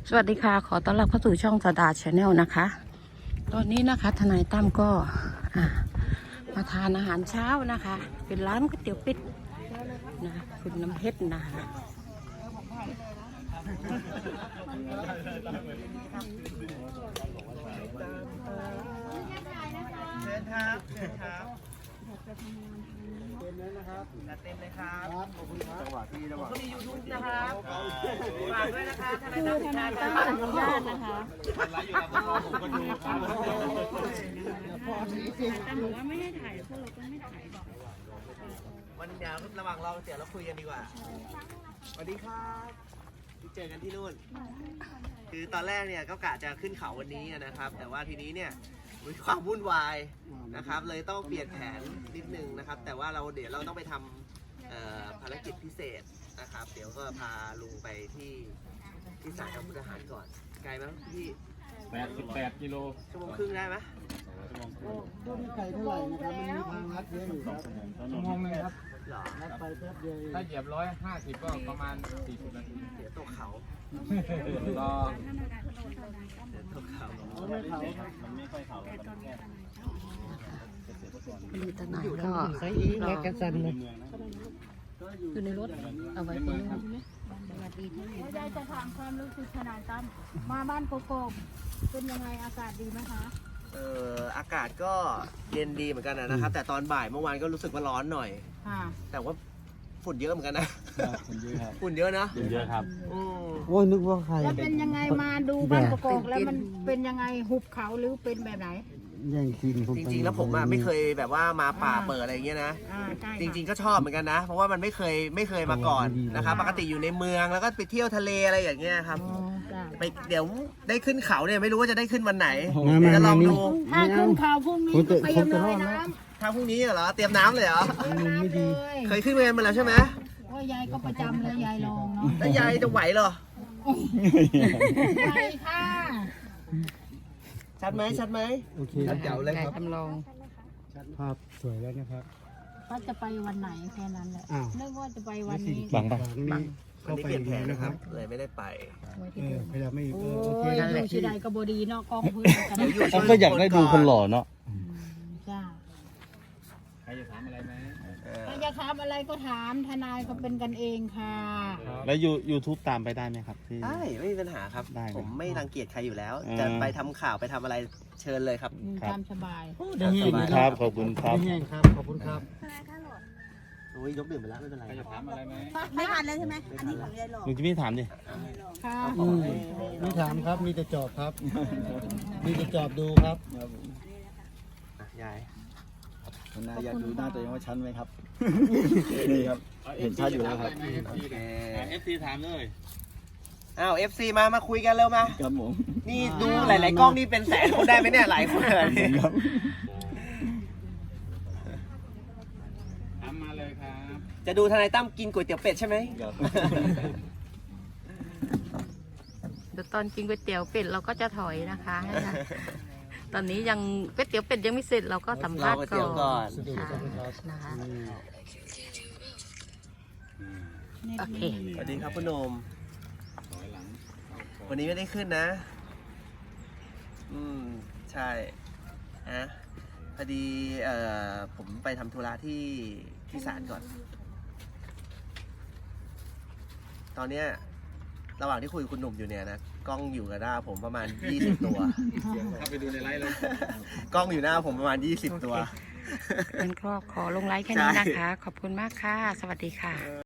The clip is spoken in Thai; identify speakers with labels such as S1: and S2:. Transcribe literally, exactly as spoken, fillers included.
S1: สวัสดีค่ะขอต้อนรับเข้าสู่ช่องสดาชาแนลนะคะตอนนี้นะคะทนายตั้มก็มาทานอาหารเช้านะคะเป็นร้านก๋วยเตี๋ยวเป็ดนะคุณน้ำเพชรนะคะ
S2: เชิญครับเชิญครับเต็มเลยนะครับเต็มเลยครับขอบคุณครับจังหวะที่จังหวะก็มียูทูบนะครับฝากด้วยนะคะทนายตั้มทนายตั้มอนุญาตนะคะไลฟ์อยู่แล้วผมก็ดูครับแต่หนูว่าไม่ให้ถ่ายพวกเราก็ไม่ถ่ายวันเดี๋ยวระหว่างรอเดี๋ยวเราคุยกันดีกว่าสวัสดีครับเจอกันที่นู่นคือตอนแรกเนี่ยก็กะจะขึ้นเขาวันนี้นะครับ แต่ว่าทีนี้เนี่ยมีความวุ่นวายนะครับเลยต้องเปลี่ยนแผนนิดนึงนะครับแต่ว่าเราเดี๋ยวเราต้องไปทำภารกิจพิเศษนะครับเดี๋ยวก็พาลุงไปที่ที่ศาลอาวุธทหารก่อนไกลไหมพี่
S3: แปดสิบแปดกิโล
S2: ชั่วโมงครึ่งได้ไหม
S4: ก็ไม่ไกลเท่าไหร่นะครับมันมีทางลัดเยอะอยู่ครับชั่วโมงนึงครับลัดไปแป๊บเดียว
S3: ถ้าเหยียบร้อยห้าสิบก็ประมาณสี่สิบนาที
S2: เดี๋ยวตกเขา
S3: ก็
S2: เดี๋ยวตกเขา
S4: ไม่เขา
S3: มันไม่ค่อยเขามันแค่
S1: มีทนายก็รออยู่ในรถเอาไว้คนนึง
S5: ไม่ได้จะถามความรู้สึกทนายตั้มมาบ้านโกโก้เป็นยังไงอากาศดีไหมคะ
S2: เอ่ออากาศก็เย็นดีเหมือนกันนะครับแต่ตอนบ่ายเมื่อวานก็รู้สึกว่าร้อนหน่อยแต่ว่าฝุ่นเยอะเหมือนกันนะ
S3: ฝุ่นเยอะครับ
S2: ฝุ่นเยอะนะ
S3: ฝุ่นเยอะครับ
S4: โอ้ยนึกว่าใคร
S5: แล้วเป็นยังไงมาดูบ้านโกโก้แล้วมันเป็นยังไงหุบเขาหรือเป็นแบบไหน
S4: แย่งซีนผม
S2: จริงๆแล้วผมอ่ะไม่เคยแบบว่ามาป่าเปิดอะไรอย่างเงี้ยนะจริงๆก็ชอบเหมือนกันนะเพราะว่ามันไม่เคยไม่เคยมาก่อนนะครับปกติอยู่ในเมืองแล้วก็ไปเที่ยวทะเลอะไรอย่างเงี้ยครับไปเดี๋ยวได้ขึ้นเขาเนี่ยไม่รู้ว่าจะได้ขึ้นวันไหนจะลองดู
S5: ถ้าขึ้นเขาพรุ่งนี้ก็ไปยังเลยน้
S2: ำถ้าพรุ่งนี้เหรอเตรียมน้ำเลยเหรอ
S4: ไม่ดี
S2: เคยขึ้นเวรมาแล้วใช่ไหม
S5: ว่ายายก็ประจำเลยยายลองเนาะ
S2: แล้วยายจะไหวเหรอ
S5: ไหวค่ะ
S2: ชัดไหมชัดไหม
S4: โอเค
S1: เดี๋ยวเลยครับจำลอง
S4: ภาพสวยแล้วนะครับ
S5: ว่าจะไปวันไหนแค่นั้นแหละนึกว่าจะไปวันนี้
S4: บังบังนี่
S2: วันนี้เปลี่ยนแผนนะครับเลยไม่ได้ไป
S4: พยายามไม่
S5: โอ้ยอยู่ที่ใดก็บดีเนาะกองพื้นกัน
S4: เขาก็อยากได้ดูคนหล่อเนาะ
S5: จ้า
S3: ใครจะถามอะไรไหม
S5: ใครจะถามอะไรก็ถามทนายก็เป็นกันเองค่ะ
S4: แล้วยูทูบตามไปได้ไหมครับ
S2: ได้ไม่มีปัญหาครับผมไม่รังเกียจใครอยู่แล้วจะไปทำข่าวไปทำอะไรเชิญเลยครับ
S5: ตามสบาย
S4: ขอบคุณครับขอบคุณครับขอบคุณครับ
S2: โอ้ยยกดื่มไปแล้วไม่เป็นไร
S3: จะถามอะไรไหม
S5: ไม่ทันแล้วใช่ไหมอันนี้ของยายหลอก
S4: ลุงจะไม่ถามดิ
S5: ค่ะ
S4: ไม่ถามครับมีแต่จอบครับมีแต่จอบดูครับ
S2: ยาย
S4: คุณนายอยากดูหน้าตัวเองว่าชั้นไหมครับนี่ครับเห็นชัดอยู่แล้วครับ
S3: เอฟซีถามเลย
S2: อ้าวเอฟซีมามาคุยกันเร็วมา
S4: ครับผม
S2: นี่ดูหลายๆกล้องนี่เป็นแสนคนได้ไหมเนี่ยหลายคนเลยครับ
S3: ถามมาเลยครับ
S2: จะดูทนายตั้มกินก๋วยเตี๋ยวเป็ดใช่ไหม
S3: ครับ
S1: เดี๋ยวตอนกินก๋วยเตี๋ยวเป็ดเราก็จะถอยนะคะตอนนี้ยังก๋วยเตี๋ยวเป็ดยังไม่เสร็จเราก็สัมภาษณ์ก่อนนะคะโอเค
S2: สวัสดีครับคุณโนมวันนี้ไม่ได้ขึ้นนะอืมใช่ฮะพอดีเอ่อผมไปทำธุระที่ที่ศาลก่อนตอนเนี้ยระหว่างที่คุยกับคุณหนุ่มอยู่เนี่ยนะกล้องอยู่กับหน้าผมประมาณยี่สิบตัว
S3: เข้าไปดูในไลฟ์เลย
S2: กล้องอยู่หน้าผมประมาณยี่สิบตัว
S1: เป็นครอบขอลงไลค์แค่นี้นะคะขอบคุณมากค่ะสวัสดีค่ะ